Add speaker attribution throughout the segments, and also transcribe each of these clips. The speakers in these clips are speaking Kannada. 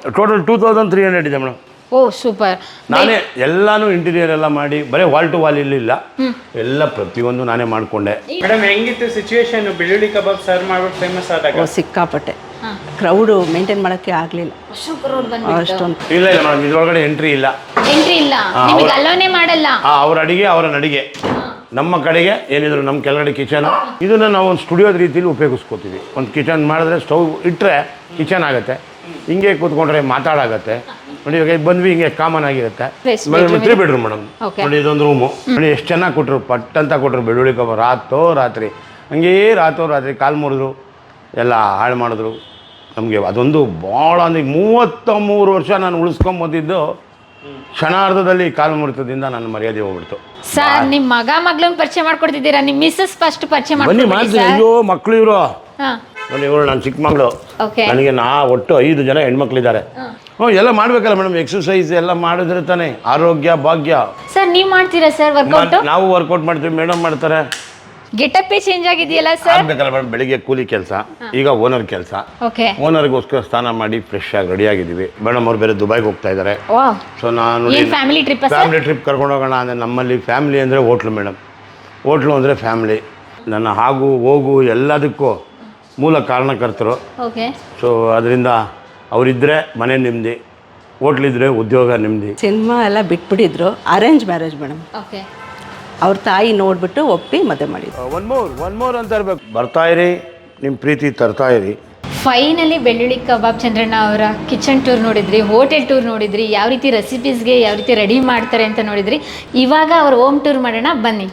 Speaker 1: ಟೋಟಲ್ 2300 ಇದೆ ಮೇಡಮ್.
Speaker 2: ಓ ಸೂಪರ್.
Speaker 1: ನಾನೇ ಎಲ್ಲಾನು ಇಂಟೀರಿಯರ್ ಎಲ್ಲ ಮಾಡಿ ಬರೀ ವಾಲ್ ಟು ವಾಲ್ ಇಲ್ಲ ಎಲ್ಲ ಪ್ರತಿಯೊಂದು ನಾನೇ ಮಾಡಿಕೊಂಡೆ.
Speaker 3: ಮೇಡಮ್ ಹೆಂಗಿತ್ತು ಸಿಚುವೇಶನ್ ಬೆಳ್ಳುಳ್ಳಿ ಕಬಾಬ್ ಸರ್ವ್ ಮಾಡ್ಬಿಟ್ಟು ಫೇಮಸ್ ಆದಾಗ?
Speaker 4: ಸಿಕ್ಕಾಪಟ್ಟೆ ಕ್ರೌಡು ಮೇಂಟೈನ್ ಮಾಡೋಕ್ಕೆ ಆಗಲಿಲ್ಲ ಅಷ್ಟೊಂದು.
Speaker 1: ಇಲ್ಲ ಇಲ್ಲ ಮೇಡಮ್, ಇದ್ರೊಳಗಡೆ ಎಂಟ್ರಿ ಇಲ್ಲ.
Speaker 2: ನಿಮಗೆ ಅಲ್ಲೋನೇ ಮಾಡಲ್ಲ.
Speaker 1: ಅವ್ರ ಅಡಿಗೆ ಅವರ ನಡಿಗೆ. ನಮ್ಮ ಕಡೆಗೆ ಏನಿದ್ರು ನಮ್ಮ ಕೆಳಗಡೆ ಕಿಚನ್, ಇದನ್ನು ನಾವು ಒಂದು ಸ್ಟುಡಿಯೋದ ರೀತಿಯಲ್ಲಿ ಉಪಯೋಗಿಸ್ಕೋತೀವಿ. ಒಂದು ಕಿಚನ್ ಮಾಡಿದ್ರೆ ಸ್ಟವ್ ಇಟ್ಟರೆ ಕಿಚನ್ ಆಗುತ್ತೆ, ಹಿಂಗೆ ಕೂತ್ಕೊಂಡ್ರೆ ಮಾತಾಡಾಗತ್ತೆ. ನೋಡಿ ಇವಾಗ ಬಂದ್ವಿ, ಹಿಂಗೆ ಕಾಮನ್ ಆಗಿರುತ್ತೆ. 3 ಬೆಡ್ರೂಮ್ ಮೇಡಮ್. ನೋಡಿ ಇದೊಂದು ರೂಮು ನೋಡಿ ಎಷ್ಟು ಚೆನ್ನಾಗಿ ಕೊಟ್ಟರು, ಪಟ್ ಅಂತ ಕೊಟ್ಟರು ಬೆಳ್ಳುಳ್ಳಿ ಕಬಾಬ್. ರಾತ್ರಿ ಹಂಗೇ ರಾತ್ರಿ ಕಾಲು ಮುರಿದ್ರು, ಎಲ್ಲ ಹಾಳು ಮಾಡಿದ್ರು ನಮಗೆ. ಅದೊಂದು ಭಾಳ ಅಂದರೆ 33 ವರ್ಷ ನಾನು ಉಳಿಸ್ಕೊಂಬಂದಿದ್ದು ಕ್ಷಣಾರ್ಧದಲ್ಲಿ ಕಾಲು ಮುರಿತದಿಂದ ನನ್ನ ಮರ್ಯಾದೆ ಹೋಗ್ಬಿಡ್ತು.
Speaker 2: ಸರ್ ನಿಮ್ಮ ಮಗಳನ್ನ ಪರಿಚಯ ಮಾಡ್ಕೊಡ್ತಿದ್ದೀರಾ? ನಿಮ್ಮ ಮಿಸ್ಸಸ್ ಫಸ್ಟ್ ಪರಿಚಯ
Speaker 1: ಬನ್ನಿ ಮಾಡ್ತೀನಿ. ಅಯ್ಯೋ ಮಕ್ಕಳು ಇವರು ನೋಡಿ, ಇವರು ನನ್ನ ಚಿಕ್ಕ ಮಗಳು. ನನಗೆ ಒಟ್ಟು 5 ಜನ ಹೆಣ್ಮಕ್ಳಿದ್ದಾರೆ. ಎಲ್ಲ ಮಾಡ್ಬೇಕಲ್ಲ ಮೇಡಮ್, ಎಕ್ಸರ್ಸೈಸ್ ಎಲ್ಲ ಮಾಡಿದ್ರೆ ತಾನೇ ಆರೋಗ್ಯ ಭಾಗ್ಯ.
Speaker 2: ಸರ್ ನೀವು ಮಾಡ್ತೀರಾ ಸರ್ ವರ್ಕೌಟ್?
Speaker 1: ನಾವು ವರ್ಕೌಟ್ ಮಾಡ್ತೀವಿ, ಮೇಡಮ್ ಮಾಡ್ತಾರೆ.
Speaker 2: ಗೆಟಪ್ಪೇ ಚೇಂಜ್ ಆಗಿದೆಯಲ್ಲ ಸರ್?
Speaker 1: ಆಗ್ಬೇಕಲ್ಲ ಮೇಡಮ್, ಬೆಳಿಗ್ಗೆ ಕೂಲಿ ಕೆಲಸ, ಈಗ ಓನರ್ ಕೆಲಸ. ಓನರ್ಗೋಸ್ಕರ ಸ್ನಾನ ಮಾಡಿ ಫ್ರೆಶ್ ಆಗಿ ರೆಡಿ ಆಗಿದ್ದೀವಿ. ಮೇಡಮ್ ಅವ್ರು ಬೇರೆ ದುಬೈಗೆ ಹೋಗ್ತಾ ಇದ್ದಾರೆ. ಸೊ ನಾನು ಫ್ಯಾಮಿಲಿ ಟ್ರಿಪ್ ಕರ್ಕೊಂಡು ಹೋಗೋಣ ಅಂದರೆ, ನಮ್ಮಲ್ಲಿ ಫ್ಯಾಮಿಲಿ ಅಂದರೆ ಹೋಟ್ಲು ಮೇಡಮ್. ಹೋಟ್ಲು ಅಂದರೆ ಫ್ಯಾಮಿಲಿ. ನನ್ನ ಹಾಗೂ ಹೋಗು ಎಲ್ಲದಕ್ಕೂ ಮೂಲ ಕಾರಣಕರ್ತರು. ಸೊ ಅದರಿಂದ ಅವರಿದ್ದರೆ ಮನೆ ನೆಮ್ಮದಿ, ಹೋಟ್ಲಿದ್ರೆ ಉದ್ಯೋಗ ನೆಮ್ಮದಿ.
Speaker 4: ಸಿನಿಮಾ ಎಲ್ಲ ಬಿಟ್ಬಿಟ್ಟಿದ್ರು. Arrange marriage madam. ಅವ್ರ ತಾಯಿ ನೋಡ್ಬಿಟ್ಟು ಒಪ್ಪಿ ಮದುವೆ ಮಾಡಿದ್ರು.
Speaker 1: ಒನ್ ಮೋರ್ ಅಂತ ಇರಬೇಕು. ಬರ್ತಾ ಇರಿ, ನಿಮ್ಮ ಪ್ರೀತಿ ತರ್ತಾ ಇರಿ.
Speaker 2: ಫೈನಲಿ ಬೆಳ್ಳುಳ್ಳಿ ಕಬಾಬ್ ಚಂದ್ರಣ್ಣ ಅವರ ಕಿಚನ್ ಟೂರ್ ನೋಡಿದ್ರಿ, ಹೋಟೆಲ್ ಟೂರ್ ನೋಡಿದ್ರಿ, ಯಾವ ರೀತಿ ರೆಸಿಪೀಸ್ಗೆ ಯಾವ ರೀತಿ ರೆಡಿ ಮಾಡ್ತಾರೆ ಅಂತ ನೋಡಿದ್ರಿ. ಇವಾಗ ಅವ್ರ ಹೋಮ್ ಟೂರ್ ಮಾಡೋಣ ಬನ್ನಿ.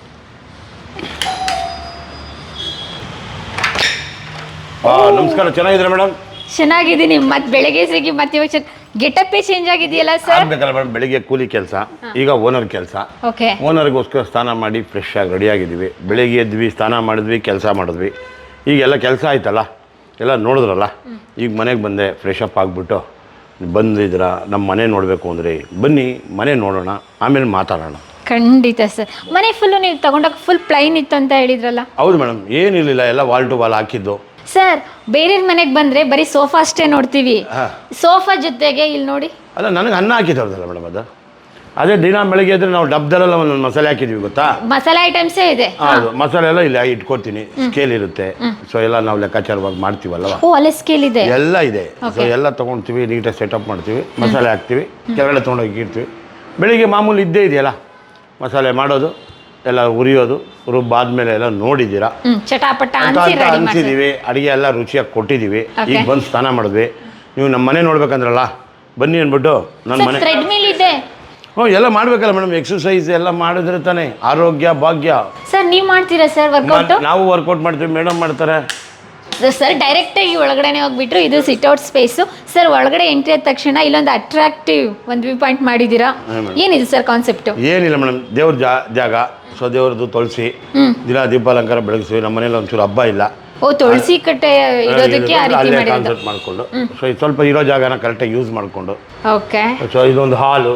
Speaker 1: ನಮಸ್ಕಾರ, ಚೆನ್ನಾಗಿದ್ದೀರಾ ಮೇಡಮ್?
Speaker 2: ಚೆನ್ನಾಗಿದ್ದೀನಿ. ಮತ್ತೆ ಬೆಳಗ್ಗೆ ಸಿಗಿ ಮತ್ತೆ ಇವಾಗ ಗೆಟಪ್ಪೇ ಚೇಂಜ್ ಆಗಿದೆಯಲ್ಲ ಸರ್?
Speaker 1: ಆಗ್ಬೇಕಲ್ಲ ಮೇಡಮ್, ಬೆಳಿಗ್ಗೆ ಕೂಲಿ ಕೆಲಸ, ಈಗ ಓನರ್ ಕೆಲಸ. ಓನರ್ಗೋಸ್ಕರ ಸ್ನಾನ ಮಾಡಿ ಫ್ರೆಶ್ ಆಗಿ ರೆಡಿ ಆಗಿದ್ದೀವಿ. ಬೆಳಿಗ್ಗೆ ಎದ್ವಿ, ಸ್ನಾನ ಮಾಡಿದ್ವಿ, ಕೆಲಸ ಮಾಡಿದ್ವಿ. ಈಗೆಲ್ಲ ಕೆಲಸ ಆಯ್ತಲ್ಲ, ಎಲ್ಲ ನೋಡಿದ್ರಲ್ಲ. ಈಗ ಮನೆಗೆ ಬಂದೆ, ಫ್ರೆಶ್ ಅಪ್ ಆಗಿಬಿಟ್ಟು ಬಂದಿದ್ರ ನಮ್ಮ ಮನೆ ನೋಡಬೇಕು ಅಂದರೆ ಬನ್ನಿ, ಮನೆ ನೋಡೋಣ, ಆಮೇಲೆ ಮಾತಾಡೋಣ.
Speaker 2: ಖಂಡಿತ ಸರ್. ಮನೆ ಫುಲ್ಲು ನೀವು ತಗೊಂಡಾಗ ಫುಲ್ ಪ್ಲೈನ್ ಇತ್ತು ಅಂತ ಹೇಳಿದ್ರಲ್ಲ?
Speaker 1: ಹೌದು ಮೇಡಮ್, ಏನಿರಲಿಲ್ಲ, ಎಲ್ಲ ವಾಲ್ ಟು ವಾಲ್ ಹಾಕಿದ್ದು.
Speaker 2: ಸರ್ ಬೇರೆ ಮನೆಗೆ ಬಂದರೆ ಬರೀ ಸೋಫಾ ಅಷ್ಟೇ ನೋಡ್ತೀವಿ, ಸೋಫಾ ಜೊತೆಗೆ ಇಲ್ಲಿ ನೋಡಿ.
Speaker 1: ಅಲ್ಲ, ನನಗೆ ಅನ್ನ ಹಾಕಿದ್ದವ್ರದಲ್ಲ ಮೇಡಮ್ ಅದು. ಅದೇ ದಿನ ಬೆಳಗ್ಗೆ ಇದ್ರೆ ನಾವು ಡಬ್ದಲ್ಲೆಲ್ಲ ಒಂದು ಮಸಾಲೆ ಹಾಕಿದ್ವಿ, ಗೊತ್ತಾ?
Speaker 2: ಮಸಾಲೆ ಐಟಮ್ಸೇ ಇದೆ.
Speaker 1: ಹೌದು, ಮಸಾಲೆ ಎಲ್ಲ ಇಲ್ಲಿ ಇಟ್ಕೊಡ್ತೀನಿ. ಸ್ಕೇಲ್ ಇರುತ್ತೆ. ಸೊ ಎಲ್ಲ ನಾವು ಲೆಕ್ಕಾಚಾರವಾಗಿ ಮಾಡ್ತೀವಲ್ವ.
Speaker 2: ಅಲ್ಲೇ ಸ್ಕೇಲ್ ಇದೆ, ಎಲ್ಲ
Speaker 1: ಇದೆ. ಸೊ ಎಲ್ಲ ತೊಗೊಳ್ತೀವಿ, ನೀಟಾಗಿ ಸೆಟಪ್ ಮಾಡ್ತೀವಿ, ಮಸಾಲೆ ಹಾಕ್ತೀವಿ, ಕೆಳಗಡೆ ತೊಗೊಂಡೋಗಿ ಇಡ್ತೀವಿ. ಬೆಳಿಗ್ಗೆ ಮಾಮೂಲಿ ಇದ್ದೇ ಇದೆಯಲ್ಲ, ಮಸಾಲೆ ಮಾಡೋದು, ಎಲ್ಲ ಹುರಿಯೋದು. ರುಬ್ಬಾದ್ಮೇಲೆ ಎಲ್ಲ ನೋಡಿದ್ದೀರಾ,
Speaker 2: ಚಟಾಪಟ
Speaker 1: ಅನ್ಸಿದೀವಿ. ಅಡುಗೆ ಎಲ್ಲ ರುಚಿಯಾಗಿ ಕೊಟ್ಟಿದ್ದೀವಿ. ಈಗ ಬಂದು ಸ್ನಾನ ಮಾಡಿದ್ವಿ. ನೀವು ನಮ್ಮ ಮನೆ ನೋಡ್ಬೇಕಂದ್ರಲ್ಲ, ಬನ್ನಿ ಅಂದ್ಬಿಟ್ಟು ನನ್ನ ಮನೆ. ಎಲ್ಲ ಮಾಡ್ಬೇಕಲ್ಲ ಮೇಡಮ್, ಎಕ್ಸರ್ಸೈಸ್ ಎಲ್ಲ ಮಾಡಿದ್ರೆ ತಾನೇ ಆರೋಗ್ಯ ಭಾಗ್ಯ.
Speaker 2: ಸರ್ ನೀವು ಮಾಡ್ತೀರಾ ಸರ್ ವರ್ಕೌಟ್?
Speaker 1: ನಾವು ವರ್ಕೌಟ್ ಮಾಡ್ತೀವಿ, ಮೇಡಮ್ ಮಾಡ್ತಾರೆ.
Speaker 2: ಸರ್ ಡೈರೆಕ್ಟಾಗಿ ಒಳಗಡೆ ಹೋಗ್ಬಿಟ್ರು. ಇದು ಸಿಟ್ಔಟ್ ಸ್ಪೇಸು ಸರ್. ಒಳಗಡೆ ಎಂಟ್ರಿ ಆದ ತಕ್ಷಣ ಇಲ್ಲೊಂದು ಅಟ್ರಾಕ್ಟಿವ್ ಒಂದು ವ್ಯೂ ಪಾಯಿಂಟ್ ಮಾಡಿದ್ದೀರಾ. ಏನಿದೆ ಸರ್ ಕಾನ್ಸೆಪ್ಟು?
Speaker 1: ಏನಿಲ್ಲ ಮೇಡಮ್, ದೇವ್ರ ಜಾಗ. ಸೊ ದೇವ್ರದ್ದು ತುಳಸಿ, ದಿನ ದೀಪಾಲಂಕಾರ ಬೆಳಗಿಸ್ತೀವಿ. ನಮ್ಮ ಮನೇಲಿ ಒಂಚೂರು ಹಬ್ಬ ಇಲ್ಲ.
Speaker 2: ತುಳಸಿ ಕಟ್ಟೆ ಇರೋದಕ್ಕೆ
Speaker 1: ಅಲ್ಲೇ ಕಾನ್ಸೆಪ್ಟ್ ಮಾಡಿಕೊಂಡು, ಸೊ ಸ್ವಲ್ಪ ಇರೋ ಜಾಗನ ಕರೆಕ್ಟಾಗಿ ಯೂಸ್ ಮಾಡಿಕೊಂಡು.
Speaker 2: ಓಕೆ.
Speaker 1: ಸೊ ಇದೊಂದು ಹಾಲು,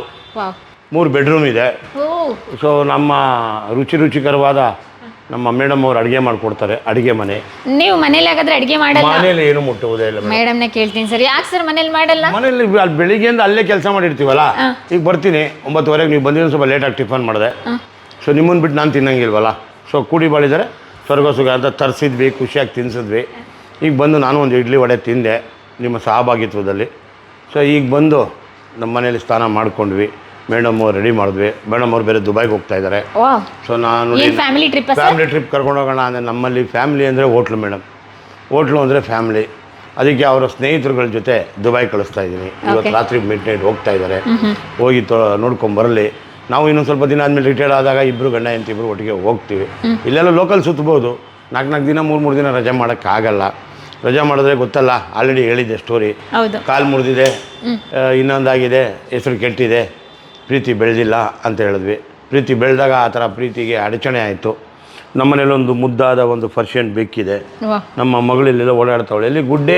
Speaker 1: 3 ಬೆಡ್ರೂಮ್ ಇದೆ. ಸೊ ನಮ್ಮ ರುಚಿಕರವಾದ ನಮ್ಮ ಮೇಡಮ್ ಅವ್ರು ಅಡುಗೆ ಮಾಡಿಕೊಡ್ತಾರೆ. ಅಡುಗೆ ಮನೆ. ನೀವು
Speaker 2: ಮನೇಲಿ ಹಾಗಾದ್ರೆ ಅಡುಗೆ ಮಾಡಲ್ಲ?
Speaker 1: ಮನೇಲಿ ಏನು ಮುಟ್ಟುವುದೇ ಇಲ್ಲ.
Speaker 2: ಮೇಡಮ್ನೇ ಕೇಳ್ತೀನಿ ಸರ್, ಯಾಕೆ ಸರ್ ಮನೇಲಿ ಮಾಡಲ್ಲ?
Speaker 1: ಮನೇಲಿ ಅಲ್ಲಿ ಬೆಳಿಗ್ಗೆಯಿಂದ ಅಲ್ಲೇ ಕೆಲಸ ಮಾಡಿರ್ತೀವಲ್ಲ. ಈಗ ಬರ್ತೀನಿ 9:30, ನೀವು ಬಂದಿರೋ ಸ್ವಲ್ಪ ಲೇಟಾಗಿ ಟಿಫನ್ ಮಾಡಿದೆ. ಸೊ ನಿಮ್ಮನ್ನು ಬಿಟ್ಟು ನಾನು ತಿನ್ನಂಗಿಲ್ವಲ್ಲ. ಸೊ ಕೂಡಿ ಬಾಳಿದರೆ ಸ್ವರ್ಗ ಸುಖ ಅಂತ ತರಿಸಿದ್ವಿ, ಖುಷಿಯಾಗಿ ತಿನ್ನಿಸಿದ್ವಿ. ಈಗ ಬಂದು ನಾನು ಒಂದು ಇಡ್ಲಿ ವಡೆ ತಿಂದೆ ನಿಮ್ಮ ಸಹಭಾಗಿತ್ವದಲ್ಲಿ. ಸೊ ಈಗ ಬಂದು ನಮ್ಮ ಮನೇಲಿ ಸ್ನಾನ ಮಾಡ್ಕೊಂಡ್ವಿ. ಮೇಡಮ್ ಅವ್ರು ರೆಡಿ ಮಾಡಿದ್ವಿ. ಮೇಡಮ್ ಅವ್ರು ಬೇರೆ ದುಬೈಗೆ ಹೋಗ್ತಾ ಇದ್ದಾರೆ. ಸೊ ನಾನು ಫ್ಯಾಮಿಲಿ ಟ್ರಿಪ್ ಕರ್ಕೊಂಡು ಹೋಗೋಣ ಅಂದರೆ, ನಮ್ಮಲ್ಲಿ ಫ್ಯಾಮಿಲಿ ಅಂದರೆ ಹೋಟ್ಲು ಮೇಡಮ್. ಹೋಟ್ಲು ಅಂದರೆ ಫ್ಯಾಮಿಲಿ. ಅದಕ್ಕೆ ಅವರ ಸ್ನೇಹಿತರುಗಳ ಜೊತೆ ದುಬೈ ಕಳಿಸ್ತಾ ಇದ್ದೀನಿ. ಇವತ್ತು ರಾತ್ರಿ ಮಿಡ್ನೈಟ್ ಹೋಗ್ತಾ ಇದ್ದಾರೆ. ಹೋಗಿ ನೋಡ್ಕೊಂಬರಲಿ. ನಾವು ಇನ್ನೊಂದು ಸ್ವಲ್ಪ ದಿನ ಆದಮೇಲೆ ರಿಟೈರ್ಡ್ ಆದಾಗ ಇಬ್ಬರು ಗಂಡ ಹೆಂಡತಿ ಇಬ್ಬರು ಒಟ್ಟಿಗೆ ಹೋಗ್ತೀವಿ. ಇಲ್ಲೆಲ್ಲ ಲೋಕಲ್ ಸುತ್ತಬೋದು. 4 ದಿನ 3 ದಿನ ರಜೆ ಮಾಡೋಕ್ಕಾಗಲ್ಲ. ರಜೆ ಮಾಡಿದ್ರೆ ಗೊತ್ತಲ್ಲ, ಆಲ್ರೆಡಿ ಹೇಳಿದ್ದೆ ಸ್ಟೋರಿ. ಕಾಲು ಮುರಿದಿದೆ, ಇನ್ನೊಂದಾಗಿದೆ, ಹೆಸರು ಕೆಟ್ಟಿದೆ, ಪ್ರೀತಿ ಬೆಳೆದಿಲ್ಲ ಅಂತ ಹೇಳಿದ್ವಿ. ಪ್ರೀತಿ ಬೆಳೆದಾಗ ಆ ಥರ ಪ್ರೀತಿಗೆ ಅಡಚಣೆ ಆಯಿತು. ನಮ್ಮನೇಲಿ ಒಂದು ಮುದ್ದಾದ ಒಂದು ಪರ್ಷಿಯನ್ ಬೆಕ್ಕಿದೆ. ನಮ್ಮ ಮಗಳಲ್ಲೆಲ್ಲ ಓಡಾಡ್ತಾವಳೆ. ಎಲ್ಲಿ ಗುಡ್ಡೆ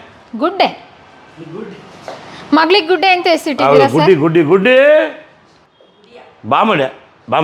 Speaker 2: ಮಗಳಿಗೆ ಗುಡ್ಡೆ ಅಂತ ಹೆಸರಿಟ್ಟಿದ್ದೀರಾ ಸರ್?
Speaker 1: ಗುಡ್ಡಿ ಬಾಮಣೆ.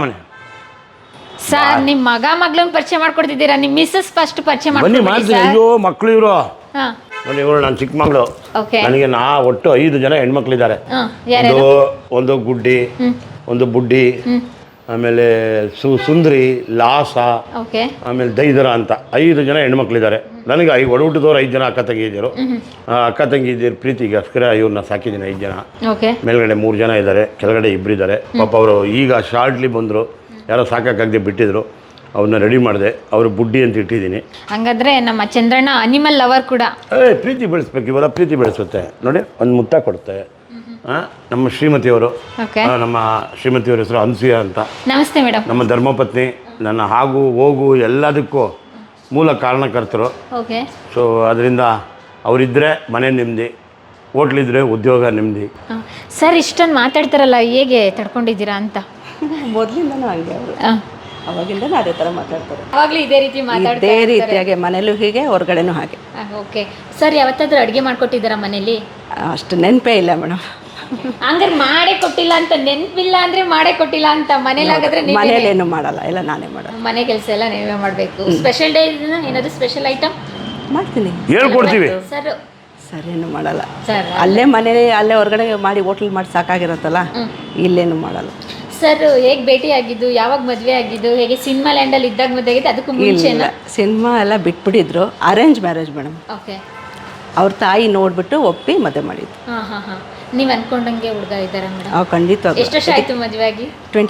Speaker 2: ಸರ್ ನಿಮ್ಮ ಮಗಳನ್ನ ಪರಿಚಯ ಮಾಡ್ಕೊಡ್ತಿದ್ದೀರಾ? ನಿಮ್ಮ ಮಿಸ್ಸಸ್ ಫಸ್ಟ್ ಪರಿಚಯ ಮಾಡ್ಕೊಡ್ತೀರಾ?
Speaker 1: ಅಯ್ಯೋ ಮಕ್ಕಳು ಇವರು ನೋಡಿ ಇವಳು ನಾನು ಚಿಕ್ಕಮಗಳು,
Speaker 2: ಓಕೆ
Speaker 1: ನನಗೆ ಒಟ್ಟು 5 ಜನ ಹೆಣ್ಮಕ್ಳಿದ್ದಾರೆ.
Speaker 2: ಯಾರು
Speaker 1: ಒಂದು ಗುಡ್ಡಿ, ಒಂದು ಬುಡ್ಡಿ, ಆಮೇಲೆ ಸುಂದರಿ, ಲಾಸ,
Speaker 2: ಓಕೆ
Speaker 1: ಆಮೇಲೆ ದೈದರ ಅಂತ 5 ಜನ ಹೆಣ್ಮಕ್ಳಿದ್ದಾರೆ. ನನಗೆ ಒಡಹುಟ್ಟಿದವ್ರು 5 ಜನ ಅಕ್ಕ ತಂಗಿಯರು. ಅಕ್ಕ ತಂಗಿಯರು ಪ್ರೀತಿಗೋಸ್ಕರ ಇವ್ರನ್ನ ಸಾಕಿದ್ದೀನಿ 5 ಜನ.
Speaker 2: ಓಕೆ
Speaker 1: ಮೇಲ್ಗಡೆ 3 ಜನ ಇದ್ದಾರೆ, ಕೆಳಗಡೆ 2 ಇದ್ದಾರೆ. ಪಾಪ ಅವರು ಈಗ ಶಾರ್ಟ್ಲಿ ಬಂದರು, ಯಾರೋ ಸಾಕಾಗದೆ ಬಿಟ್ಟಿದ್ರು, ಅವ್ರನ್ನ ರೆಡಿ ಮಾಡಿದೆ. ಅವರು ಬುಡ್ಡಿ ಅಂತ ಇಟ್ಟಿದ್ದೀನಿ.
Speaker 2: ಹಂಗಾದ್ರೆ ನಮ್ಮ ಚಂದ್ರಣ್ಣ ಅನಿಮಲ್ ಲವರ್ ಕೂಡ.
Speaker 1: ಪ್ರೀತಿ ಬೆಳೆಸ್ಬೇಕು, ಇವೆಲ್ಲ ಪ್ರೀತಿ ಬೆಳೆಸುತ್ತೆ. ನೋಡಿ ಒಂದು ಮುತ್ತ ಕೊಡುತ್ತೆ. ನಮ್ಮ ಶ್ರೀಮತಿಯವರು, ನಮ್ಮ ಶ್ರೀಮತಿಯವ್ರ ಹೆಸರು ಅನ್ಸೂಯ ಅಂತ.
Speaker 2: ನಮಸ್ತೆ ಮೇಡಮ್.
Speaker 1: ನಮ್ಮ ಧರ್ಮಪತ್ನಿ, ನನ್ನ ಆಗು ಹೋಗು ಎಲ್ಲದಕ್ಕೂ ಮೂಲ ಕಾರಣಕರ್ತರು.
Speaker 2: ಓಕೆ.
Speaker 1: ಸೊ ಅದರಿಂದ ಅವರಿದ್ದರೆ ಮನೆ ನೆಮ್ಮದಿ, ಹೋಟ್ಲಿದ್ರೆ ಉದ್ಯೋಗ ನೆಮ್ಮದಿ.
Speaker 2: ಸರ್ ಇಷ್ಟೊಂದು ಮಾತಾಡ್ತಾರಲ್ಲ, ಹೇಗೆ ತಡ್ಕೊಂಡಿದ್ದೀರಾ ಅಂತ?
Speaker 4: ಮೊದಲಿಂದನೂ ಹಂಗೆ ಅವರು, ಅವಾಗಿಂದನೂ ಅದೇ ಥರ ಮಾತಾಡ್ತಾರೆ.
Speaker 2: ಅವಾಗಲೂ ಇದೇ ರೀತಿ
Speaker 4: ಇದೇ ರೀತಿಯಾಗಿ ಮನೇಲೂ ಹೀಗೆ, ಹೊರಗಡೆನೂ ಹಾಗೆ.
Speaker 2: ಓಕೆ. ಸರ್ ಯಾವತ್ತಾದ್ರೂ ಅಡುಗೆ ಮಾಡ್ಕೊಟ್ಟಿದ್ದಾರಾ ಮನೇಲಿ?
Speaker 4: ಅಷ್ಟು ನೆನಪೇ ಇಲ್ಲ ಮೇಡಮ್.
Speaker 2: ಹಂಗಾರೆ ಮಾಡೇ ಕೊಟ್ಟಿಲ್ಲ ಅಂತ, ನೆನಪಿಲ್ಲ ಅಂದ್ರೆ ಮಾಡೇ ಕೊಟ್ಟಿಲ್ಲ ಅಂತ. ಮನೇಲಾಗಾದ್ರೆ
Speaker 4: ಮನೇಲೇನು ಮಾಡಲ್ಲ, ಎಲ್ಲ ನಾನೇ ಮಾಡೋದು.
Speaker 2: ಮನೆ ಕೆಲಸ ಎಲ್ಲ ನೀವೇ ಮಾಡಬೇಕು. ಸ್ಪೆಷಲ್ ಡೇ ಏನಾದರೂ ಸ್ಪೆಷಲ್ ಐಟಮ್
Speaker 4: ಮಾಡ್ತೀನಿ,
Speaker 1: ಹೇಳ್ಕೊಡ್ತೀವಿ.
Speaker 2: ಸರ್
Speaker 4: ಸರಿಯೇನು ಮಾಡಲ್ಲ.
Speaker 2: ಸರ್
Speaker 4: ಅಲ್ಲೇ ಮನೇಲಿ ಅಲ್ಲೇ ಹೊರಗಡೆ ಮಾಡಿ ಹೋಟ್ಲ್ ಮಾಡಿ ಸಾಕಾಗಿರುತ್ತಲ್ಲ, ಇಲ್ಲೇನು ಮಾಡಲ್ಲ.
Speaker 2: ಸರ್ ಹೇಗೆ ಭೇಟಿ ಆಗಿದ್ದು, ಯಾವಾಗ ಮದುವೆ ಆಗಿದ್ದು, ಹೇಗೆ ಸಿನಿಮಾ ಲ್ಯಾಂಡಲ್ಲಿ ಇದ್ದಾಗ ಮದುವೆ ಆಗಿದ್ದು, ಅದಕ್ಕೂ ಮುಂಚೆ?
Speaker 4: ಇಲ್ಲ, ಸಿನಿಮಾ ಎಲ್ಲ ಬಿಟ್ಬಿಟ್ಟಿದ್ರು. Arrange marriage madam.
Speaker 2: ಓಕೆ.
Speaker 4: ಅವ್ರ ತಾಯಿ ನೋಡ್ಬಿಟ್ಟು ಒಪ್ಪಿ ಮದುವೆ ಮಾಡಿದ್ದು.
Speaker 2: ಹಾಂ. ನೀವು ಅನ್ಕೊಂಡಂಗೆ ಹುಡುಗ ಇದ್ದಾರಾ ಮೇಡಮ್?
Speaker 4: ಖಂಡಿತ.
Speaker 2: ಎಷ್ಟು ವರ್ಷ ಆಯಿತು ಮದುವೆ ಆಗಿ?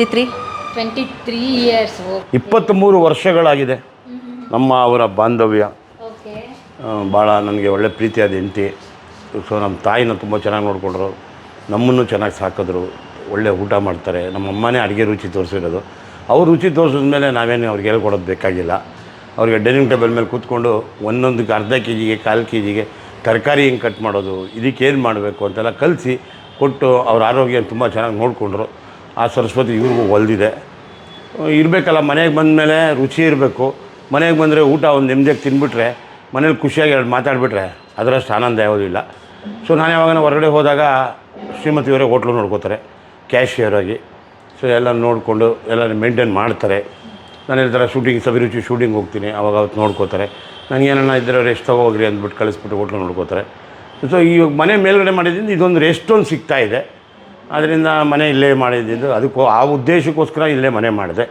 Speaker 4: 23
Speaker 2: ಇಯರ್ಸ್.
Speaker 1: 23 ವರ್ಷಗಳಾಗಿದೆ ನಮ್ಮ ಅವರ ಬಾಂಧವ್ಯ.
Speaker 2: ಓಕೆ.
Speaker 1: ಭಾಳ ನನಗೆ ಒಳ್ಳೆ ಪ್ರೀತಿಯಾದ ಹೆಂಡತಿ. ಸೊ ನಮ್ಮ ತಾಯಿನ ತುಂಬ ಚೆನ್ನಾಗಿ ನೋಡಿಕೊಂಡ್ರು, ನಮ್ಮನ್ನು ಚೆನ್ನಾಗಿ ಸಾಕಿದ್ರು, ಒಳ್ಳೆ ಊಟ ಮಾಡ್ತಾರೆ. ನಮ್ಮ ಅಮ್ಮನೇ ಅಡುಗೆ ರುಚಿ ತೋರಿಸಿರೋದು. ಅವ್ರು ರುಚಿ ತೋರಿಸಿದ ಮೇಲೆ ನಾವೇನು ಅವ್ರಿಗೆ ಹೇಳ್ಕೊಡೋದು ಬೇಕಾಗಿಲ್ಲ. ಅವ್ರಿಗೆ ಡೈನಿಂಗ್ ಟೇಬಲ್ ಮೇಲೆ ಕೂತ್ಕೊಂಡು ಒಂದೊಂದಕ್ಕೆ ಅರ್ಧ ಕೆಜಿಗೆ, 1/4 ಕೆಜಿಗೆ ತರಕಾರಿ ಹೆಂಗೆ ಕಟ್ ಮಾಡೋದು, ಇದಕ್ಕೇನು ಮಾಡಬೇಕು ಅಂತೆಲ್ಲ ಕಲಿಸಿ ಕೊಟ್ಟು ಅವ್ರ ಆರೋಗ್ಯ ತುಂಬ ಚೆನ್ನಾಗಿ ನೋಡಿಕೊಂಡ್ರು. ಆ ಸರಸ್ವತಿ ಇವ್ರಿಗೂ ಒಲ್ದಿದೆ. ಇರಬೇಕಲ್ಲ, ಮನೆಗೆ ಬಂದಮೇಲೆ ರುಚಿ ಇರಬೇಕು. ಮನೆಗೆ ಬಂದರೆ ಊಟ ಒಂದು ನೆಮ್ಮದಿಯಾಗಿ ತಿಂದುಬಿಟ್ರೆ, ಮನೇಲಿ ಖುಷಿಯಾಗಿ ಮಾತಾಡಿಬಿಟ್ರೆ ಅದರಷ್ಟು ಆನಂದ ಯಾವುದಿಲ್ಲ. ಸೊ ನಾನು ಯಾವಾಗ ಹೊರಗಡೆ ಹೋದಾಗ ಶ್ರೀಮತಿಯವರೇ ಹೋಟ್ಲು ನೋಡ್ಕೋತಾರೆ ಕ್ಯಾಶಿಯರ್ ಆಗಿ. ಸೊ ಎಲ್ಲ ನೋಡಿಕೊಂಡು ಎಲ್ಲ ಮೇಂಟೈನ್ ಮಾಡ್ತಾರೆ. ನಾನು ಈ ಥರ ಶೂಟಿಂಗ್, ಸವಿರುಚಿ ಶೂಟಿಂಗ್ ಹೋಗ್ತೀನಿ, ಅವಾಗ ಅವತ್ತು ನೋಡ್ಕೋತಾರೆ. ನನಗೇನನ್ನ ಇದ್ದರೆ ರೆಸ್ಟ್ ಹೋಗ್ರಿ ಅಂದ್ಬಿಟ್ಟು ಕಳಿಸ್ಬಿಟ್ಟು ಹೋಟ್ಲು ನೋಡ್ಕೋತಾರೆ. ಸೊ ಇವಾಗ ಮನೆ ಮೇಲ್ಗಡೆ ಮಾಡಿದ್ದರಿಂದ ಇದೊಂದು ರೆಸ್ಟೊಂದು ಸಿಗ್ತಾಯಿದೆ. ಅದರಿಂದ ಮನೆ ಇಲ್ಲೇ ಮಾಡಿದ್ದು, ಅದಕ್ಕೂ ಆ ಉದ್ದೇಶಕ್ಕೋಸ್ಕರ ಇಲ್ಲೇ ಮನೆ ಮಾಡಿದೆ.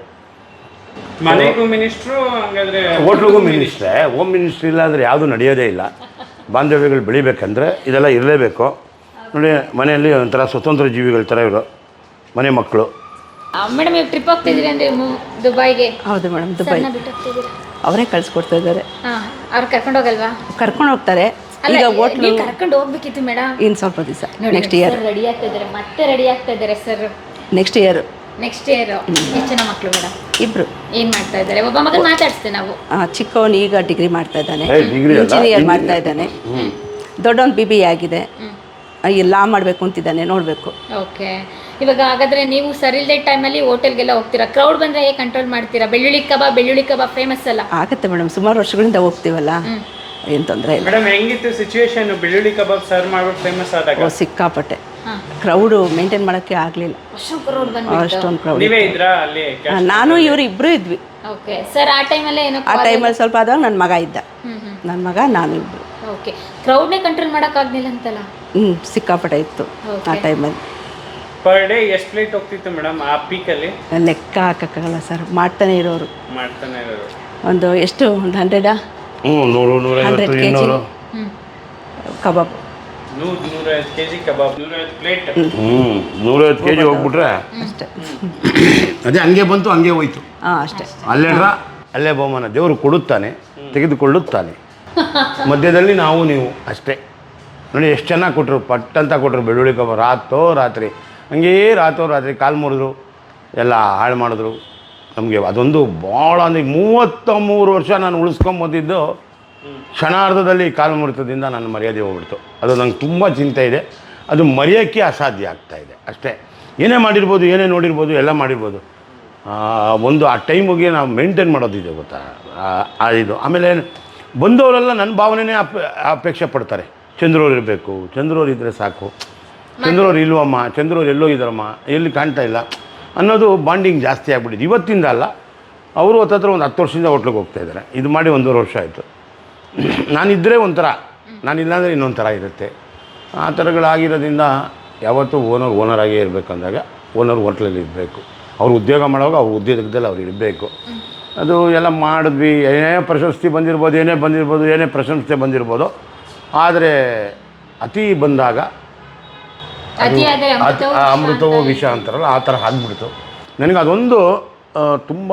Speaker 3: ಮನೆಗೂ ಮಿನಿಸ್ಟ್ರು, ಹಂಗಾದ್ರೆ
Speaker 1: ಹೋಟ್ಲಿಗೂ ಮಿನಿಸ್ಟ್ರೇ. ಹೋಮ್ ಮಿನಿಸ್ಟ್ರಿ ಇಲ್ಲ ಅಂದರೆ ಯಾವುದೂ ನಡೆಯೋದೇ ಇಲ್ಲ. ಬಾಂಧವ್ಯಗಳು ಬೆಳಿಬೇಕಂದ್ರೆ ಇದೆಲ್ಲ ಇರಲೇಬೇಕು. ನೋಡಿ, ಮನೆಯಲ್ಲಿ ಒಂಥರ ಸ್ವತಂತ್ರ ಜೀವಿಗಳ ಥರ ಇವರು ಮನೆ ಮಕ್ಕಳು.
Speaker 2: ಮೇಡಮ್ ಈಗ ಟ್ರಿಪ್ ಹೋಗ್ತಿದ್ದೀರಿ ಅಂದರೆ ದುಬೈಗೆ?
Speaker 4: ಹೌದು ಮೇಡಮ್, ದುಬೈ
Speaker 2: ಬಿಟ್ಟು ಹೋಗ್ತಿದ್ದೀರಾ?
Speaker 4: ಅವರೇ ಕಳಿಸ್ಕೊಡ್ತಾ ಇದ್ದಾರೆ.
Speaker 2: ಅವ್ರು ಕರ್ಕೊಂಡು ಹೋಗಲ್ವಾ?
Speaker 4: ಕರ್ಕೊಂಡು ಹೋಗ್ತಾರೆ. ಈಗ ಹೋಟ್ಲು
Speaker 2: ಕರ್ಕೊಂಡು ಹೋಗ್ಬೇಕಿತ್ತು ಮೇಡಮ್.
Speaker 4: ಇನ್ನು ಸ್ವಲ್ಪ ದಿವಸ, ನೆಕ್ಸ್ಟ್ ಇಯರ್
Speaker 2: ರೆಡಿ ಆಗ್ತಾ ಇದ್ದಾರೆ, ಮತ್ತೆ ರೆಡಿ ಆಗ್ತಾ ಇದ್ದಾರೆ ಸರ್.
Speaker 4: Next year.
Speaker 2: ಎಷ್ಟು ಜನ ಮಕ್ಕಳು ಮೇಡಮ್?
Speaker 4: 2.
Speaker 2: ಏನು ಮಾಡ್ತಾ ಇದ್ದಾರೆ? ಒಬ್ಬ ಮಗನ ಮಾತಾಡಿಸ್ತೇವೆ ನಾವು.
Speaker 4: ಚಿಕ್ಕವನು ಈಗ ಡಿಗ್ರಿ ಮಾಡ್ತಾ ಇದ್ದಾನೆ,
Speaker 1: ಡಿಗ್ರಿ ಅಲ್ಲ,
Speaker 4: ಇಂಜಿನಿಯರ್ ಮಾಡ್ತಾ ಇದ್ದಾನೆ. ದೊಡ್ಡವನು BBA ಆಗಿದೆ, ಲಾ ಮಾಡಬೇಕು ಅಂತಿದ್ದಾನೆ, ನೋಡಬೇಕು.
Speaker 2: ಓಕೆ. ಇವಾಗ ಹಾಗಾದ್ರೆ ನೀವು ಸರ್ ಇಲ್ಲದೆ ಟೈಮಲ್ಲಿ ಹೋಟೆಲ್ಗೆಲ್ಲ ಹೋಗ್ತೀರಾ? ಕ್ರೌಡ್ ಬಂದರೆ ಹೇಗೆ ಕಂಟ್ರೋಲ್ ಮಾಡ್ತೀರಾ? ಬೆಳ್ಳುಳ್ಳಿ ಕಬಾಬ್ ಫೇಮಸ್ ಅಲ್ಲ?
Speaker 4: ಆಗುತ್ತೆ ಮೇಡಮ್, ಸುಮಾರು ವರ್ಷಗಳಿಂದ ಹೋಗ್ತೀವಲ್ಲ, ಏನು ತೊಂದರೆ ಇಲ್ಲ.
Speaker 3: ಮೇಡಮ್ ಹೆಂಗಿತ್ತು ಸಿಚುವೇಶನ್ ಬೆಳ್ಳುಳ್ಳಿ ಕಬಾಬ್ ಸರ್ವ್ ಮಾಡ್ಬಿಟ್ಟು ಫೇಮಸ್ ಆದಾಗ?
Speaker 4: ಸಿಕ್ಕಾಪಟ್ಟೆ ಕ್ರೌಡು ಮೇಂಟೈನ್ ಮಾಡೋಕ್ಕೆ ಆಗಲಿಲ್ಲ. ಅಷ್ಟೊಂದು ಕ್ರೌಡ್.
Speaker 3: ನೀವೇ ಇದ್ರಾ ಅಲ್ಲಿ?
Speaker 4: ನಾನು ಇವರು ಇಬ್ಬರು ಇದ್ವಿ.
Speaker 2: Okay sir. ಆ ಟೈಮಲ್ಲಿ ಏನೋ
Speaker 4: ಆ ಟೈಮಲ್ಲಿ ಸ್ವಲ್ಪ ಆದಾಗ ನನ್ನ ಮಗ ಇದ್ದ, ನನ್ನ ಮಗ ನಾನು ಇಬ್ಬರು.
Speaker 2: ಓಕೆ. ಕ್ರೌಡ್ನೇ ಕಂಟ್ರೋಲ್ ಮಾಡೋಕ್ಕಾಗಲಿಲ್ಲ ಅಂತಲ್ಲ?
Speaker 4: ಸಿಕ್ಕಾಪಟ್ಟೆ ಇತ್ತು ಆ ಟೈಮಲ್ಲಿ.
Speaker 3: ಪರ್ ಡೇ ಎಷ್ಟು ಪ್ಲೇಟ್ ಹೋಗ್ತಿತ್ತು ಮೇಡಮ್ ಆ ಪೀಕಲ್ಲಿ?
Speaker 4: ಲೆಕ್ಕ ಹಾಕೋಕ್ಕಾಗಲ್ಲ ಸರ್, ಮಾಡ್ತಾನೆ ಇರೋರು.
Speaker 3: ಮಾಡ್ತಾನೆ ಇರೋರು
Speaker 4: ಒಂದು ಎಷ್ಟು, ಒಂದು 100 100 kg ಕಬಾಬ್,
Speaker 3: 100-150 kg ಕಬಾಬ್, 150 ಪ್ಲೇಟ್.
Speaker 1: 150 kg ಹೋಗ್ಬಿಟ್ರೆ
Speaker 4: ಅಷ್ಟೇ.
Speaker 1: ಅದೇ ಹಂಗೆ ಬಂತು, ಹಂಗೆ ಹೋಯ್ತು.
Speaker 4: ಅಷ್ಟೇ.
Speaker 1: ಅಲ್ಲೇ ಬಹುಮಾನ ದೇವರು ಕೊಡುತ್ತಾನೆ, ತೆಗೆದುಕೊಳ್ಳುತ್ತಾನೆ. ಮಧ್ಯದಲ್ಲಿ ನಾವು ನೀವು ಅಷ್ಟೇ. ನೋಡಿ ಎಷ್ಟು ಚೆನ್ನಾಗಿ ಕೊಟ್ಟರು, ಪಟ್ಟಂತ ಕೊಟ್ಟರು ಬೆಳ್ಳುಳ್ಳಿ ಕಬಾಬ್. ರಾತ್ರಿ ಹಂಗೇ ರಾತ್ರಿ ಕಾಲು ಮುರಿದ್ರು, ಎಲ್ಲ ಹಾಳು ಮಾಡಿದ್ರು ನಮಗೆ. ಅದೊಂದು ಭಾಳ ಅಂದರೆ 33 ವರ್ಷ ನಾನು ಉಳಿಸ್ಕೊಂಬಂದಿದ್ದು ಕ್ಷಣಾರ್ಧದಲ್ಲಿ ಕಾಲು ಮುರಿತದಿಂದ ನನ್ನ ಮರ್ಯಾದೆ ಹೋಗ್ಬಿಡ್ತು. ಅದು ನಂಗೆ ತುಂಬ ಚಿಂತೆ ಇದೆ. ಅದು ಮರೆಯೋಕ್ಕೆ ಅಸಾಧ್ಯ ಆಗ್ತಾಯಿದೆ ಅಷ್ಟೇ. ಏನೇ ಮಾಡಿರ್ಬೋದು, ಏನೇ ನೋಡಿರ್ಬೋದು, ಎಲ್ಲ ಮಾಡಿರ್ಬೋದು. ಒಂದು ಆ ಟೈಮಿಗೆ ನಾವು ಮೇಂಟೈನ್ ಮಾಡೋದಿದೆ ಗೊತ್ತಾ, ಇದು. ಆಮೇಲೆ ಬಂದವರೆಲ್ಲ ನನ್ನ ಭಾವನೆನೇ ಅಪೇಕ್ಷೆ ಪಡ್ತಾರೆ. ಚಂದ್ರವ್ರು ಇರಬೇಕು, ಚಂದ್ರವ್ರು ಇದ್ದರೆ ಸಾಕು, ಚಂದ್ರವ್ರು ಇಲ್ವಮ್ಮ, ಚಂದ್ರವ್ರು ಎಲ್ಲೋ ಇದ್ದಾರಮ್ಮ, ಎಲ್ಲಿ ಕಾಣ್ತಾ ಇಲ್ಲ ಅನ್ನೋದು ಬಾಂಡಿಂಗ್ ಜಾಸ್ತಿ ಆಗಿಬಿಟ್ಟಿದ್ದು. ಇವತ್ತಿಂದ ಅಲ್ಲ, ಅವರು ಹತ್ತತ್ರ ಒಂದು 10 ವರ್ಷದಿಂದ ಹೋಟ್ಲಿಗೆ ಹೋಗ್ತಾಯಿದ್ದಾರೆ. ಇದು ಮಾಡಿ 1.5 ವರ್ಷ ಆಯಿತು. ನಾನಿದ್ದರೆ ಒಂಥರ ನಾನು ಇಲ್ಲಾಂದರೆ ಇನ್ನೊಂದು ಥರ ಇರುತ್ತೆ. ಆ ಥರಗಳಾಗಿರೋದ್ರಿಂದ ಯಾವತ್ತೂ ಓನರಾಗೇ ಇರಬೇಕಂದಾಗ ಓನರ್ ಹೋಟ್ಲಲ್ಲಿ ಇರಬೇಕು. ಅವ್ರು ಉದ್ಯೋಗ ಮಾಡುವಾಗ ಅವ್ರ ಉದ್ಯೋಗದಲ್ಲಿ ಅವ್ರು ಇರಬೇಕು. ಅದು ಎಲ್ಲ ಮಾಡಿದ್ವಿ. ಏನೇ ಪ್ರಶಸ್ತಿ ಬಂದಿರ್ಬೋದು, ಏನೇ ಪ್ರಶಂಸೆ ಬಂದಿರ್ಬೋದು. ಆದರೆ ಅತಿ ಬಂದಾಗ ಅಮೃತವೋ ವಿಷ ಅಂತಾರಲ್ಲ, ಆ ಥರ ಆಗ್ಬಿಡ್ತು. ನನಗೆ ಅದೊಂದು ತುಂಬ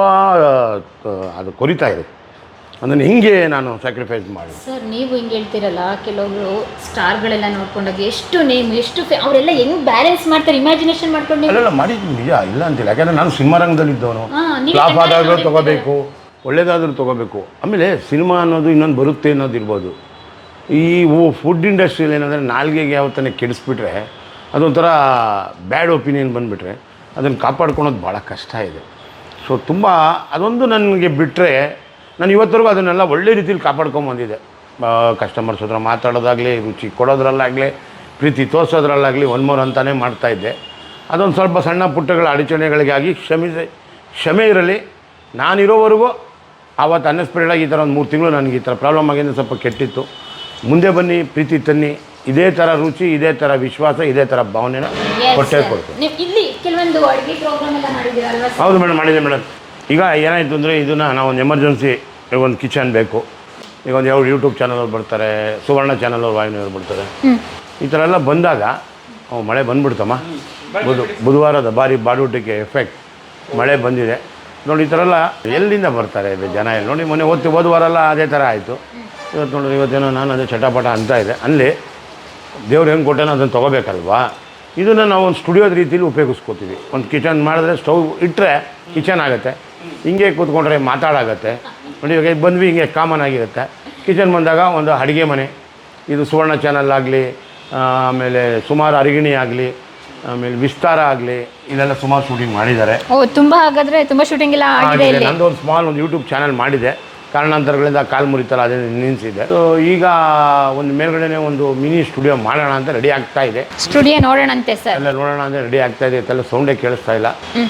Speaker 1: ಅದು ಕೊರಿತಾ ಇದೆ. ಅದನ್ನು ಹಿಂಗೆ ನಾನು ಸ್ಯಾಕ್ರಿಫೈಸ್ ಮಾಡಿ.
Speaker 2: ಸರ್ ನೀವು ಹಿಂಗೆ ಹೇಳ್ತೀರಲ್ಲ, ಕೆಲವೊಬ್ರು ಸ್ಟಾರ್ಗಳೆಲ್ಲ ನೋಡ್ಕೊಂಡಾಗ ಎಷ್ಟು ನೇಮ್ ಎಷ್ಟು ಅವರೆಲ್ಲ ಹೆಂಗೆ ಬ್ಯಾಲೆನ್ಸ್ ಮಾಡ್ತಾರೆ, ಇಮ್ಯಾಜಿನೇಷನ್ ಮಾಡ್ಕೊಂಡು.
Speaker 1: ಅಲ್ಲೆಲ್ಲ ಮಾಡಿದ್ದು ನಿಜ, ಇಲ್ಲ ಅಂತಿಲ್ಲ. ಯಾಕಂದರೆ ನಾನು ಸಿನಿಮಾ ರಂಗದಲ್ಲಿದ್ದವನು. ಫ್ಲಾಪ್ ಆದಾದರೂ ತೊಗೋಬೇಕು, ಒಳ್ಳೇದಾದರೂ ತೊಗೋಬೇಕು. ಆಮೇಲೆ ಸಿನಿಮಾ ಅನ್ನೋದು ಇನ್ನೊಂದು ಬರುತ್ತೆ ಅನ್ನೋದಿರ್ಬೋದು. ಈ ಫುಡ್ ಇಂಡಸ್ಟ್ರಿಯಲ್ಲಿ ಏನಂದರೆ ನಾಲ್ಗೆಗೆ ಯಾವತ್ತನೇ ಕೆಡಿಸ್ಬಿಟ್ರೆ, ಅದೊಂಥರ ಬ್ಯಾಡ್ ಒಪಿನಿಯನ್ ಬಂದುಬಿಟ್ರೆ ಅದನ್ನು ಕಾಪಾಡ್ಕೊಳೋದು ಭಾಳ ಕಷ್ಟ ಇದೆ. ಸೊ ತುಂಬ ಅದೊಂದು ನನಗೆ ಬಿಟ್ಟರೆ ನಾನು ಇವತ್ತರೆಗೂ ಅದನ್ನೆಲ್ಲ ಒಳ್ಳೆ ರೀತಿಲಿ ಕಾಪಾಡ್ಕೊಂಬಂದಿದ್ದೆ. ಕಸ್ಟಮರ್ಸ್ ಹತ್ರ ಮಾತಾಡೋದಾಗಲಿ, ರುಚಿ ಕೊಡೋದ್ರಲ್ಲಾಗಲಿ, ಪ್ರೀತಿ ತೋರಿಸೋದ್ರಲ್ಲಾಗಲಿ ಒನ್ ಮೋರ್ ಅಂತಲೇ ಮಾಡ್ತಾಯಿದ್ದೆ. ಅದೊಂದು ಸ್ವಲ್ಪ ಸಣ್ಣ ಪುಟ್ಟಗಳ ಅಡಚಣೆಗಳಿಗಾಗಿ ಕ್ಷಮೆ ಇರಲಿ. ನಾನಿರೋವರೆಗೂ ಆವತ್ತು ಅನ್ಎಕ್ಸ್ಪೆಕ್ಟೆಡಾಗಿ ಈ ಥರ ಒಂದು 3 ತಿಂಗಳು ನನಗೆ ಈ ಥರ ಪ್ರಾಬ್ಲಮ್ ಆಗಿದ್ದು ಸ್ವಲ್ಪ ಕೆಟ್ಟಿತ್ತು. ಮುಂದೆ ಬನ್ನಿ, ಪ್ರೀತಿ ತನ್ನಿ, ಇದೇ ಥರ ರುಚಿ, ಇದೇ ಥರ ವಿಶ್ವಾಸ, ಇದೇ ಥರ ಭಾವನೆನ ಕೊಟ್ಟೇ ಕೊಡ್ತೀನಿ.
Speaker 2: ಇಲ್ಲಿ ಕೆಲವೊಂದು ಅಡುಗೆ ಪ್ರೋಗ್ರಾಮ್ ಎಲ್ಲ ಮಾಡಿದ್ದೀರಲ್ವಾ?
Speaker 1: ಹೌದು ಮೇಡಮ್, ಮಾಡಿದೆ ಮೇಡಮ್. ಈಗ ಏನಾಯಿತು ಅಂದರೆ ಇದನ್ನು ನಾವು ಒಂದು ಎಮರ್ಜೆನ್ಸಿ ಒಂದು ಕಿಚನ್ ಬೇಕು. ಈಗ ಒಂದು ಯಾವ ಯೂಟ್ಯೂಬ್ ಚಾನಲವ್ರು ಬರ್ತಾರೆ, ಸುವರ್ಣ ಚಾನಲವ್ರು ವಾಹಿನಿಯವ್ರು ಬರ್ತಾರೆ. ಈ ಥರ ಎಲ್ಲ ಬಂದಾಗ ಮಳೆ ಬಂದ್ಬಿಡ್ತಮ್ಮ. ಬುಧವಾರದ ಬಾರಿ ಬಾಡೂಟಕ್ಕೆ ಎಫೆಕ್ಟ್ ಮಳೆ ಬಂದಿದೆ ನೋಡಿ. ಈ ಥರ ಎಲ್ಲ ಎಲ್ಲಿಂದ ಬರ್ತಾರೆ ಜನ? ಎಲ್ಲ ನೋಡಿ, ಮೊನ್ನೆ ಹೋದ ವಾರ ಎಲ್ಲ ಅದೇ ಥರ ಆಯಿತು. ಇವತ್ತು ನೋಡಿದ್ರೆ ಇವತ್ತೇನೋ ನಾನು ಅದೇ ಚಟಾಪಟ ಅಂತ ಇದೆ. ಅಲ್ಲಿ ದೇವ್ರು ಹೆಂಗೆ ಕೊಟ್ಟೇನೋ ಅದನ್ನು ತೊಗೋಬೇಕಲ್ವಾ? ಇದನ್ನು ನಾವು ಒಂದು ಸ್ಟುಡಿಯೋದ ರೀತಿಯಲ್ಲಿ ಉಪಯೋಗಿಸ್ಕೋತೀವಿ. ಒಂದು ಕಿಚನ್ ಮಾಡಿದ್ರೆ ಸ್ಟವ್ ಇಟ್ಟರೆ ಕಿಚನ್ ಆಗುತ್ತೆ, ಹಿಂಗೆ ಕೂತ್ಕೊಂಡ್ರೆ ಮಾತಾಡಾಗತ್ತೆ ನೋಡಿ. ಇವಾಗ ಬಂದ್ವಿ, ಹಿಂಗೆ ಕಾಮನ್ ಆಗಿರುತ್ತೆ. ಕಿಚನ್ ಬಂದಾಗ ಒಂದು ಅಡುಗೆ ಮನೆ, ಇದು ಸುವರ್ಣ ಚಾನಲ್ ಆಗಲಿ, ಆಮೇಲೆ ಸುಮಾರು ಅರಿಗಿಣಿ ಆಗಲಿ, ಆಮೇಲೆ ವಿಸ್ತಾರ ಆಗಲಿ, ಇಲ್ಲೆಲ್ಲ ಸುಮಾರು ಶೂಟಿಂಗ್ ಮಾಡಿದ್ದಾರೆ.
Speaker 2: ತುಂಬ ಹಾಗಾದರೆ ತುಂಬ ಶೂಟಿಂಗ್ ಎಲ್ಲ ಆಗಿದೆ.
Speaker 1: ನಂದು ಒಂದು ಸ್ಮಾಲ್ ಒಂದು ಯೂಟ್ಯೂಬ್ ಚಾನಲ್ ಮಾಡಿದೆ. ಕಾರಣಾಂತರಗಳಿಂದ ಕಾಲು ಮುರಿತಲ್ಲ, ಅದೇ ನಿಲ್ಲಿಸಿದೆ. ಸೊ ಈಗ ಒಂದು ಮೇಲ್ಗಡೆನೇ ಒಂದು ಮಿನಿ ಸ್ಟುಡಿಯೋ ಮಾಡೋಣ ಅಂತ ರೆಡಿ ಆಗ್ತಾ ಇದೆ.
Speaker 2: ಸ್ಟುಡಿಯೋ ನೋಡೋಣಂತೆ ಸರ್,
Speaker 1: ಎಲ್ಲ ನೋಡೋಣ ಅಂತ ರೆಡಿ ಆಗ್ತಾ ಇದೆ. ಎಲ್ಲ ಸೌಂಡೇ ಕೇಳಿಸ್ತಾ ಇಲ್ಲ.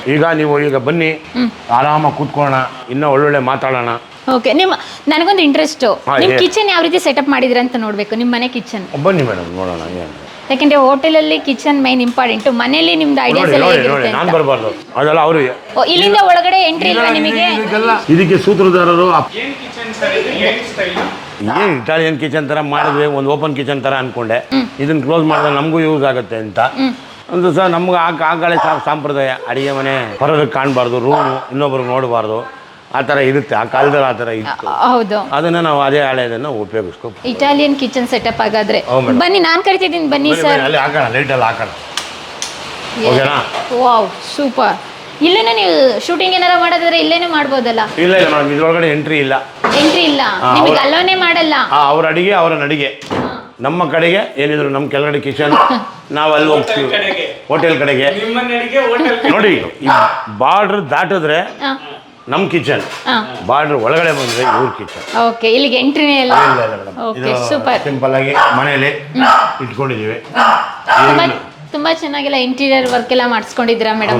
Speaker 1: ಈಗ ಬನ್ನಿ, ಆರಾಮಾಗಿ ಕೂತ್ಕೊಳ್ಳೋಣ, ಇನ್ನೂ ಒಳ್ಳೊಳ್ಳೆ ಮಾತಾಡೋಣ.
Speaker 2: ಓಕೆ. ನನಗೊಂದು ಇಂಟ್ರೆಸ್ಟು, ನಿಮ್ಮ ಕಿಚನ್ ಯಾವ ರೀತಿ ಸೆಟಪ್ ಮಾಡಿದ್ರೆ ಅಂತ ನೋಡಬೇಕು, ನಿಮ್ಮ ಮನೆ ಕಿಚನ್.
Speaker 1: ಬನ್ನಿ ಮೇಡಮ್, ನೋಡೋಣ.
Speaker 2: ಯಾಕೆಂದ್ರೆ ಹೋಟೆಲಲ್ಲಿ ಕಿಚನ್ ಮೈನ್ ಇಂಪಾರ್ಟೆಂಟ್. ಮನೇಲಿ ನಿಮ್ದು ಐಡಿಯಾಸ್ ಎಲ್ಲ ಹೇಗಿರುತ್ತೆ?
Speaker 1: ನಾನು ಬರಬಾರ್ದು, ಅದೆಲ್ಲ ಅವರು.
Speaker 2: ಇಲ್ಲಿಂದ ಒಳಗಡೆ ಎಂಟ್ರಿ ಇಲ್ಲ ನಿಮಗೆ?
Speaker 1: ಇದಕ್ಕೆ ಸೂತ್ರಧಾರರು
Speaker 3: ಏನು ಕಿಚನ್ ಸರ್ ಇದು? ಏನು ಸ್ಟೈಲ್?
Speaker 1: ಏನು ಇಟಾಲಿಯನ್ ಕಿಚನ್ ಥರ ಮಾಡಿದ್ವಿ, ಒಂದು ಓಪನ್ ಕಿಚನ್ ಥರ ಅಂದ್ಕೊಂಡೆ. ಇದನ್ನು ಕ್ಲೋಸ್ ಮಾಡಿದ್ರೆ ನಮಗೂ ಯೂಸ್ ಆಗುತ್ತೆ ಅಂತ ಒಂದು ಸಹ ನಮ್ಗೆ ಆ ಕಡೆ ಸಂಪ್ರದಾಯ. ಅಡುಗೆ ಮನೆ ಹೊರಗೆ ಕಾಣಬಾರ್ದು, ರೂಮು ಇನ್ನೊಬ್ರಿಗೆ ನೋಡಬಾರ್ದು, ಆ ಥರ ಇರುತ್ತೆ. ಆ ಕಾಲದಲ್ಲಿ ಆ ಥರ ಇತ್ತು.
Speaker 2: ಹೌದು,
Speaker 1: ಅದನ್ನು ನಾವು ಅದೇ ಹಳೆಯದನ್ನು ಉಪಯೋಗಿಸ್ಕೊ.
Speaker 2: ಇಟಾಲಿಯನ್ ಕಿಚನ್ ಸೆಟಪ್ ಆಗಾದ್ರೆ ಬನ್ನಿ, ನಾನು ಕರಿತಿದ್ದೀನಿ, ಬನ್ನಿ ಸರ್.
Speaker 1: ಅಲ್ಲಿ ಹಾಕೋಣ, ಲೈಟಲ್ಲಿ ಹಾಕೋಣ, ಓಕೆನಾ?
Speaker 2: Wow, super. ಇಲ್ಲೇನೆ ನೀವು ಶೂಟಿಂಗ್ ಏನಾರ ಮಾಡೋದಾದ್ರೆ ಇಲ್ಲೇನೆ ಮಾಡ್ಬೋದಲ್ಲ?
Speaker 1: ಇಲ್ಲ ಇಲ್ಲ ಮೇಡಮ್, ಇದ್ರೊಳಗಡೆ ಎಂಟ್ರಿ ಇಲ್ಲ.
Speaker 2: ಎಂಟ್ರಿ ಇಲ್ಲ, ನಿಮಗೆ ಅಲ್ಲೋನೇ ಮಾಡಲ್ಲ.
Speaker 1: ಅವ್ರ ಅಡಿಗೆ ಅವರ ನಡಿಗೆ. ನಮ್ಮ ಕಡೆಗೆ ಏನಿದ್ರು ನಮ್ಮ ಕೆಳಗಡೆ ಕಿಚನ್, ನಾವು ಅಲ್ಲಿ ಹೋಗ್ತೀವಿ ಹೋಟೆಲ್ ಕಡೆಗೆ. ನೋಡಿ, ಈ ಬಾರ್ಡ್ರ್ ದಾಟಿದ್ರೆ ನಮ್ಮ ಕಿಚನ್, ಬಾರ್ಡ್ರ್ ಒಳಗಡೆ ಬಂದ್ರೆ ಇವ್ರ ಕಿಚನ್.
Speaker 2: ಓಕೆ, ಇಲ್ಲಿಗೆ ಎಂಟ್ರಿನೇ ಇಲ್ಲ. Okay, super.
Speaker 1: ಸಿಂಪಲ್ ಆಗಿ ಮನೆಯಲ್ಲಿ ಇಟ್ಕೊಂಡಿದ್ದೀವಿ.
Speaker 2: ತುಂಬಾ ಚೆನ್ನಾಗೆಲ್ಲ ಇಂಟೀರಿಯರ್ ವರ್ಕ್ ಎಲ್ಲ ಮಾಡಿಸ್ಕೊಂಡಿದ್ದೀರಾ ಮೇಡಮ್?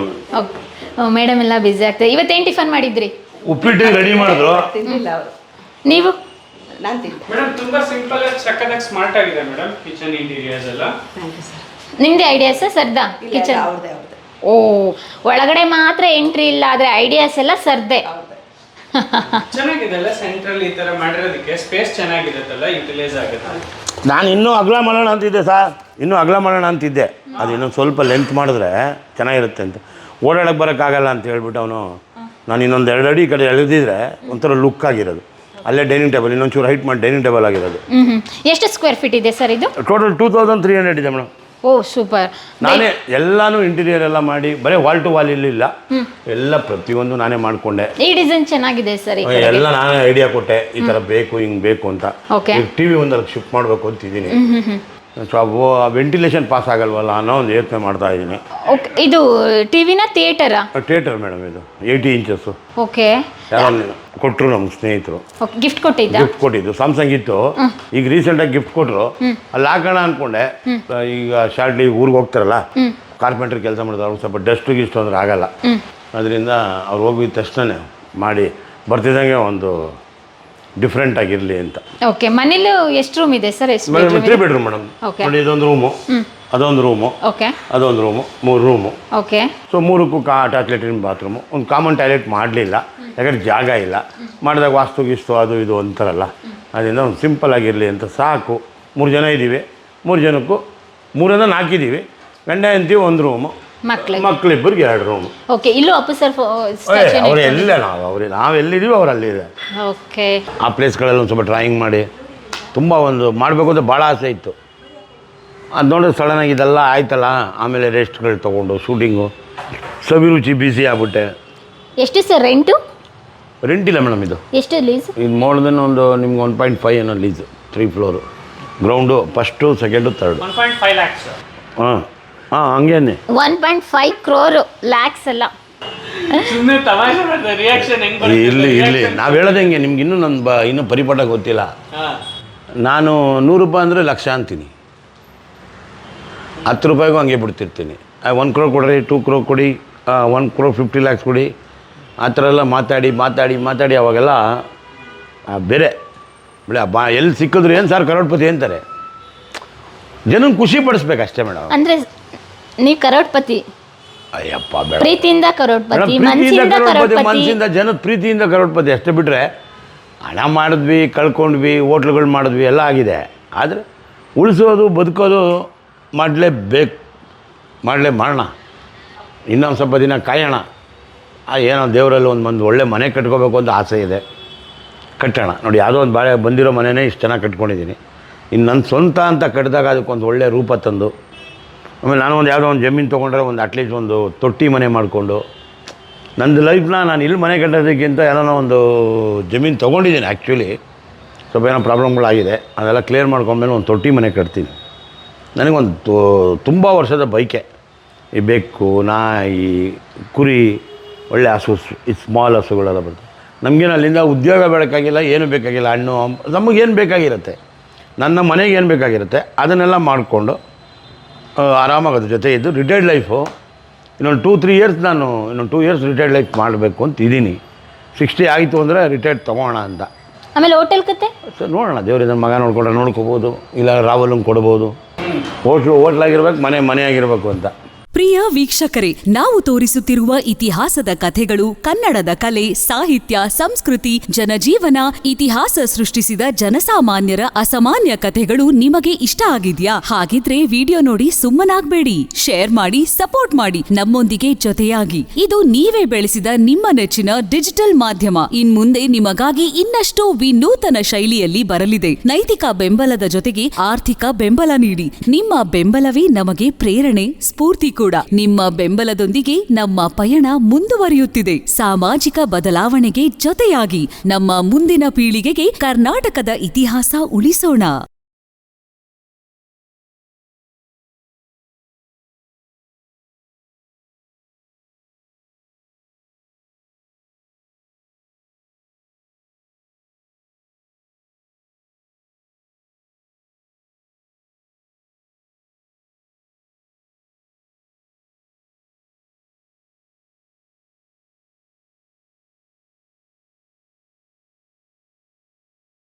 Speaker 2: ಮೇಡಮ್ ಎಲ್ಲ ಬಿಸಿ ಆಗ್ತದೆ. ಇವತ್ತೇನು ಟಿಫನ್ ಮಾಡಿದ್ರಿ?
Speaker 1: ಉಪ್ಪಿಟ್ಟು ರೆಡಿ ಮಾಡಿದ್ರು.
Speaker 4: ತಿಂದಿಲ್ಲ ಅವರು.
Speaker 2: ನೀವು?
Speaker 4: ನಾನು ತಿಂದೆ
Speaker 3: ಮೇಡಮ್. ತುಂಬಾ ಸಿಂಪಲ್ ಆಗಿ ಸಕ್ಕತ್ತಾಗಿ ಸ್ಮಾರ್ಟ್ ಆಗಿದೆ ಮೇಡಮ್ ಕಿಚನ್ ಇಂಟೀರಿಯರ್ಸ್ ಎಲ್ಲ.
Speaker 4: Thank you sir.
Speaker 2: ನಿಮ್ದೇ ಐಡಿಯಾಸ್ ಸರ್ದಾ ಕಿಚನ್?
Speaker 4: ಅವ್ರದ್ದೇ.
Speaker 2: ಓ, ಒಳಗಡೆ ಮಾತ್ರ ಎಂಟ್ರಿ ಇಲ್ಲ, ಆದ್ರೆ ಐಡಿಯಾಸ್ ಎಲ್ಲ ಸರ್ದೆ.
Speaker 3: ಚೆನ್ನಾಗಿದೆ ಅಲ್ಲ, ಸೆಂಟ್ರಲ್ ಈ ತರ ಮಾಡಿರೋದಕ್ಕೆ ಸ್ಪೇಸ್ ಚೆನ್ನಾಗಿರುತ್ತಲ್ಲ, ಯುಟಿಲೈಸ್ ಆಗುತ್ತೆ.
Speaker 1: ನಾನು ಇನ್ನೂ ಅಗಲ ಮಾಡೋಣ ಅಂತಿದ್ದೆ ಸರ್, ಇನ್ನೂ ಅಗಲ ಮಾಡೋಣ ಅಂತಿದ್ದೆ. ಅದು ಇನ್ನೊಂದು ಸ್ವಲ್ಪ ಲೆಂತ್ ಮಾಡಿದ್ರೆ ಚೆನ್ನಾಗಿರುತ್ತೆ ಅಂತ. ಓಡಾಡಕ್ಕೆ ಬರೋಕ್ಕಾಗಲ್ಲ ಅಂತ ಹೇಳ್ಬಿಟ್ಟು ಅವನು ನಾನು ಇನ್ನೊಂದು 2 ಅಡಿ ಕಡೆ ಎಳೆದಿದ್ರೆ ಒಂಥರ ಲುಕ್ ಆಗಿರೋದು. ಅಲ್ಲೇ ಡೈನಿಂಗ್ ಟೇಬಲ್ ಇನ್ನೊಂಚೂರು ಹೈಟ್ ಮಾಡಿ ಡೈನಿಂಗ್ ಟೇಬಲ್ ಆಗಿರೋದು.
Speaker 2: ಎಷ್ಟು ಸ್ಕ್ವೇರ್ ಫೀಟ್ ಇದೆ ಸರ್ ಇದು?
Speaker 1: ಟೋಟಲ್ 2300 ಇದೆ ಮೇಡಮ್.
Speaker 2: ಓ, ಸೂಪರ್.
Speaker 1: ನಾನೇ ಎಲ್ಲಾನು ಇಂಟೀರಿಯರ್ ಎಲ್ಲ ಮಾಡಿ, ಬರೀ ವಾಲ್ ಟು ವಾಲ್ ಇಲ್ಲ, ಎಲ್ಲ ಪ್ರತಿಯೊಂದು ನಾನೇ ಮಾಡಿಕೊಂಡೆ.
Speaker 2: ಈ ಡಿಸೈನ್ ಚೆನ್ನಾಗಿದೆ ಸರ್.
Speaker 1: ಎಲ್ಲ ನಾನೇ ಐಡಿಯಾ ಕೊಟ್ಟೆ, ಈ ಥರ ಬೇಕು, ಹಿಂಗೆ ಬೇಕು ಅಂತ. ಟಿವಿ ಒಂದಲ್ಲಿ ಶಿಫ್ಟ್ ಮಾಡಬೇಕು ಅಂತಿದ್ದೀನಿ. ಸೊ ವೆಂಟಿಲೇಷನ್ ಪಾಸ್ ಆಗಲ್ವಲ್ಲ ಅನ್ನೋ ಒಂದು ಯೋಚನೆ ಮಾಡ್ತಾ ಇದ್ದೀನಿ.
Speaker 2: ಓಕೆ, ಇದು ಟಿವಿನ ಥಿಯೇಟರಾ?
Speaker 1: ಥಿಯೇಟರ್ ಮೇಡಮ್, ಇದು 80 ಇಂಚಸ್ಸು.
Speaker 2: ಓಕೆ.
Speaker 1: ಯಾರೋ ಕೊಟ್ಟರು ನಮ್ಮ ಸ್ನೇಹಿತರು,
Speaker 2: ಗಿಫ್ಟ್ ಕೊಟ್ಟಿದ್ದ?
Speaker 1: ಗಿಫ್ಟ್ ಕೊಟ್ಟಿದ್ದು ಸ್ಯಾಮ್ಸಂಗ್ ಇತ್ತು. ಈಗ ರೀಸೆಂಟಾಗಿ ಗಿಫ್ಟ್ ಕೊಟ್ಟರು, ಅಲ್ಲಿ ಹಾಕೋಣ ಅಂದ್ಕೊಂಡೆ. ಈಗ ಶಾರ್ಟ್ಲಿ ಊರಿಗೆ ಹೋಗ್ತಾರಲ್ಲ, ಕಾರ್ಪೆಂಟ್ರ್ ಕೆಲಸ ಮಾಡಿದ್ರು, ಅವ್ರಿಗೆ ಸ್ವಲ್ಪ ಡಸ್ಟ್ ಗಿಸ್ಟ್ ಅಂದ್ರೆ ಆಗಲ್ಲ. ಅದರಿಂದ ಅವ್ರು ಹೋಗಿದ ತಕ್ಷಣ ಮಾಡಿ ಬರ್ತಿದ್ದಂಗೆ ಒಂದು ಡಿಫ್ರೆಂಟ್ ಆಗಿರಲಿ ಅಂತ.
Speaker 2: ಓಕೆ, ಮನೇಲಿ ಎಷ್ಟು ರೂಮ್ ಇದೆ ಸರ್? ಎಷ್ಟು
Speaker 1: ಮೇಡಮ್ 3 ಬೆಡ್ರೂಮ್ ಮೇಡಮ್.
Speaker 2: Okay.
Speaker 1: ನೋಡಿ, ಇದೊಂದು ರೂಮು, ಅದೊಂದು ರೂಮು,
Speaker 2: ಓಕೆ
Speaker 1: ಅದೊಂದು ರೂಮು, 3 ರೂಮು.
Speaker 2: ಓಕೆ.
Speaker 1: ಸೊ 3ಕ್ಕೂ ಅಟ್ಯಾಚ್ ಲೆಟ್ರಿನ್ ಬಾತ್ರೂಮು. ಒಂದು ಕಾಮನ್ ಟಾಯ್ಲೆಟ್ ಮಾಡಲಿಲ್ಲ, ಯಾಕಂದ್ರೆ ಜಾಗ ಇಲ್ಲ. ಮಾಡಿದಾಗ ವಾಸ್ತು ಗೀಸ್ತು ಅದು ಇದು ಅಂತಾರಲ್ಲ, ಅದರಿಂದ ಒಂದು ಸಿಂಪಲ್ ಆಗಿರಲಿ ಅಂತ ಸಾಕು. 3 ಜನ ಇದ್ದೀವಿ, 3 ಜನಕ್ಕೂ 3ರಿಂದ 4 ಇದ್ದೀವಿ. ಗಂಡ ಹೆಂಡತಿ 1 ರೂಮು, ಮಕ್ಕಳಿಬ್ಬರಿಗೆ 2 ರೂಮು.
Speaker 2: ಓಕೆ. ಇಲ್ಲೂ ಅಪ್ಪು ಸರ್
Speaker 1: ಅವ್ರು ಎಲ್ಲ ನಾವೆಲ್ಲಿದ್ದೀವಿ ಅವ್ರು ಅಲ್ಲಿದೆ.
Speaker 2: ಓಕೆ.
Speaker 1: ಆ ಪ್ಲೇಸ್ಗಳಲ್ಲಿ ಒಂದು ಸ್ವಲ್ಪ ಡ್ರಾಯಿಂಗ್ ಮಾಡಿ ತುಂಬ ಒಂದು ಮಾಡಬೇಕು ಅಂತ ಭಾಳ ಆಸೆ ಇತ್ತು. ಅದು ನೋಡಿದ್ರೆ ಸಡನ್ನಾಗಿ ಇದೆಲ್ಲ ಆಯ್ತಲ್ಲ, ಆಮೇಲೆ ರೆಸ್ಟ್ಗಳು ತೊಗೊಂಡು ಶೂಟಿಂಗು ಸವಿರುಚಿ ಬಿಸಿ ಆಗ್ಬಿಟ್ಟೆ.
Speaker 2: ಎಷ್ಟು ಸರ್ ರೆಂಟು?
Speaker 1: ರೆಂಟ್ ಇಲ್ಲ ಮೇಡಮ್, ಇದು
Speaker 2: ಎಷ್ಟು ಲೀಸ್?
Speaker 1: ಇದು ಮಾಡೋದನ್ನು ಒಂದು ನಿಮ್ಗೆ 1.5 ಏನೋ lease. 3 floor, ground, first, second, third.
Speaker 3: 1.5 lakhs.
Speaker 1: ಹಾಂ ಹಾಂ, ಹಂಗೇನೆ.
Speaker 2: 1.5 crore ಲ್ಯಾಕ್ಸ್ ಅಲ್ಲ.
Speaker 3: ಸುಮ್ಮನೆ ತಮಾಷೆ ಮಾಡ್ತಾರೆ. ರಿಯಾಕ್ಷನ್ ಹೆಂಗ್ ಬರುತ್ತೆ?
Speaker 1: ಇಲ್ಲಿ ನಾವು ಹೇಳೋದು ಹೆಂಗೆ, ನಿಮ್ಗೆ ಇನ್ನೂ ಪರಿಪಾಠ ಗೊತ್ತಿಲ್ಲ.
Speaker 3: ಹಾ.
Speaker 1: ನಾನು 100 ರೂಪಾಯಿ ಅಂದರೆ ಲಕ್ಷ ಅಂತೀನಿ, 10 ರೂಪಾಯಿಗೂ ಹಂಗೆ ಬಿಡ್ತಿರ್ತೀನಿ. 1 crore ಕೊಡ್ರಿ, 2 crore ಕೊಡಿ, 1 crore 50 lakhs ಕೊಡಿ, ಆ ಥರ ಎಲ್ಲ ಮಾತಾಡಿ ಅವಾಗೆಲ್ಲ ಬೇರೆ ಎಲ್ಲಿ ಸಿಕ್ಕಿದ್ರು ಏನು ಸರ್ ಕರೋಡ್ಪತಿ ಅಂತಾರೆ. ಜನ ಖುಷಿ ಪಡಿಸ್ಬೇಕು ಅಷ್ಟೇ ಮೇಡಮ್.
Speaker 2: ಅಂದ್ರೆ ನೀವು ಕರೋಡ್ಪತಿ?
Speaker 1: ಅಯ್ಯಪ್ಪ ಬೇಡ,
Speaker 2: ಪ್ರೀತಿಯಿಂದ ಕರೋಡ್ಪತಿ,
Speaker 1: ಪ್ರೀತಿಯಿಂದ ಕರೋಡ್ಪತಿ, ಮನಸ್ಸಿಂದ ಜನದ ಪ್ರೀತಿಯಿಂದ ಕರೋಡ್ಪತಿ ಅಷ್ಟೇ. ಬಿಟ್ಟರೆ ಹಣ ಮಾಡಿದ್ವಿ, ಕಳ್ಕೊಂಡ್ವಿ, ಹೋಟ್ಲುಗಳು ಮಾಡಿದ್ವಿ, ಎಲ್ಲ ಆಗಿದೆ. ಆದರೆ ಉಳಿಸೋದು ಬದುಕೋದು ಮಾಡೋಣ. ಇನ್ನೊಂದು ಸ್ವಲ್ಪ ದಿನ ಕಾಯೋಣ. ಏನೋ ದೇವರಲ್ಲಿ ಒಂದು ಒಳ್ಳೆ ಮನೆ ಕಟ್ಕೋಬೇಕು ಅಂತ ಆಸೆ ಇದೆ, ಕಟ್ಟೋಣ. ನೋಡಿ, ಯಾವುದೋ ಒಂದು ಬಾಳೆ ಬಂದಿರೋ ಮನೆಯೇ ಇಷ್ಟು ಚೆನ್ನಾಗಿ ಕಟ್ಕೊಂಡಿದ್ದೀನಿ. ಇನ್ನು ನನ್ನ ಸ್ವಂತ ಅಂತ ಕಟ್ಟಿದಾಗ ಅದಕ್ಕೊಂದು ಒಳ್ಳೆ ರೂಪ ತಂದು, ಆಮೇಲೆ ನಾನು ಯಾವುದೋ ಒಂದು ಜಮೀನು ತೊಗೊಂಡ್ರೆ ಒಂದು ಅಟ್ಲೀಸ್ಟ್ ಒಂದು ತೊಟ್ಟಿ ಮನೆ ಮಾಡಿಕೊಂಡು, ನಂದು ಲೈಫ್ನ ನಾನು ಇಲ್ಲಿ ಮನೆ ಕಟ್ಟೋದಕ್ಕಿಂತ ಏನೋ ಒಂದು ಜಮೀನು ತೊಗೊಂಡಿದ್ದೀನಿ. ಆ್ಯಕ್ಚುಲಿ ಸ್ವಲ್ಪ ಏನೋ ಪ್ರಾಬ್ಲಮ್ಗಳಾಗಿದೆ, ಅದೆಲ್ಲ ಕ್ಲಿಯರ್ ಮಾಡ್ಕೊಂಡ್ಮೇಲೆ ಒಂದು ತೊಟ್ಟಿ ಮನೆ ಕಟ್ತೀನಿ. ನನಗೊಂದು ತುಂಬ ವರ್ಷದ ಬೈಕೆ, ಈ ಬೆಕ್ಕು, ನಾಯಿ, ಕುರಿ, ಒಳ್ಳೆ ಹಸು, ಈ ಸ್ಮಾಲ್ ಹಸುಗಳೆಲ್ಲ ಬರ್ತದೆ. ನಮಗೇನು ಅಲ್ಲಿಂದ ಉದ್ಯೋಗ ಬೇಕಾಗಿಲ್ಲ, ಏನು ಬೇಕಾಗಿಲ್ಲ. ಹಣ್ಣು ನಮಗೇನು ಬೇಕಾಗಿರುತ್ತೆ, ನನ್ನ ಮನೆಗೆ ಏನು ಬೇಕಾಗಿರುತ್ತೆ ಅದನ್ನೆಲ್ಲ ಮಾಡಿಕೊಂಡು ಆರಾಮಾಗಿ ಅದ್ರ ಜೊತೆ ಇದ್ದು ರಿಟೈರ್ಡ್ ಲೈಫು ಇನ್ನೊಂದು 2-3 ಇಯರ್ಸ್ ನಾನು ಇನ್ನೊಂದು 2 ಇಯರ್ಸ್ ರಿಟೈರ್ಡ್ ಲೈಫ್ ಮಾಡಬೇಕು ಅಂತ ಇದ್ದೀನಿ. 60 ಆಯಿತು ಅಂದರೆ ರಿಟೈರ್ಡ್ ತೊಗೋಣ ಅಂತ.
Speaker 2: ಆಮೇಲೆ ಹೋಟೆಲ್ ಕತೆ
Speaker 1: ಸರ್ ನೋಡೋಣ, ದೇವರಿಂದ ಮಗ ನೋಡ್ಕೋಬೋದು, ಇಲ್ಲ ರಾವಲಂಗೆ ಕೊಡ್ಬೋದು. ಹೋಟ್ಲಾಗಿರ್ಬೇಕು, ಮನೆ ಆಗಿರಬೇಕು ಅಂತ.
Speaker 5: ಪ್ರಿಯ ವೀಕ್ಷಕರೇ, ನಾವು ತೋರಿಸುತ್ತಿರುವ ಇತಿಹಾಸದ ಕಥೆಗಳು ಕನ್ನಡದ ಕಲೆ, ಸಾಹಿತ್ಯ, ಸಂಸ್ಕೃತಿ, ಜನಜೀವನ, ಇತಿಹಾಸ ಸೃಷ್ಟಿಸಿದ ಜನಸಾಮಾನ್ಯರ ಅಸಾಮಾನ್ಯ ಕಥೆಗಳು ನಿಮಗೆ ಇಷ್ಟ ಆಗಿದ್ಯಾ? ಹಾಗಿದ್ರೆ ವಿಡಿಯೋ ನೋಡಿ ಸುಮ್ಮನಾಗ್ಬೇಡಿ, ಶೇರ್ ಮಾಡಿ, ಸಪೋರ್ಟ್ ಮಾಡಿ, ನಮ್ಮೊಂದಿಗೆ ಜೊತೆಯಾಗಿ. ಇದು ನೀವೇ ಬೆಳೆಸಿದ ನಿಮ್ಮ ನೆಚ್ಚಿನ ಡಿಜಿಟಲ್ ಮಾಧ್ಯಮ. ಇನ್ಮುಂದೆ ನಿಮಗಾಗಿ ಇನ್ನಷ್ಟು ವಿನೂತನ ಶೈಲಿಯಲ್ಲಿ ಬರಲಿದೆ. ನೈತಿಕ ಬೆಂಬಲದ ಜೊತೆಗೆ ಆರ್ಥಿಕ ಬೆಂಬಲ ನೀಡಿ. ನಿಮ್ಮ ಬೆಂಬಲವೇ ನಮಗೆ ಪ್ರೇರಣೆ, ಸ್ಫೂರ್ತಿ ಕೂಡ. ನಿಮ್ಮ ಬೆಂಬಲದೊಂದಿಗೆ ನಮ್ಮ ಪಯಣ ಮುಂದುವರಿಯುತ್ತಿದೆ. ಸಾಮಾಜಿಕ ಬದಲಾವಣೆಗೆ ಜೊತೆಯಾಗಿ ನಮ್ಮ ಮುಂದಿನ ಪೀಳಿಗೆಗೆ ಕರ್ನಾಟಕದ ಇತಿಹಾಸ ಉಳಿಸೋಣ.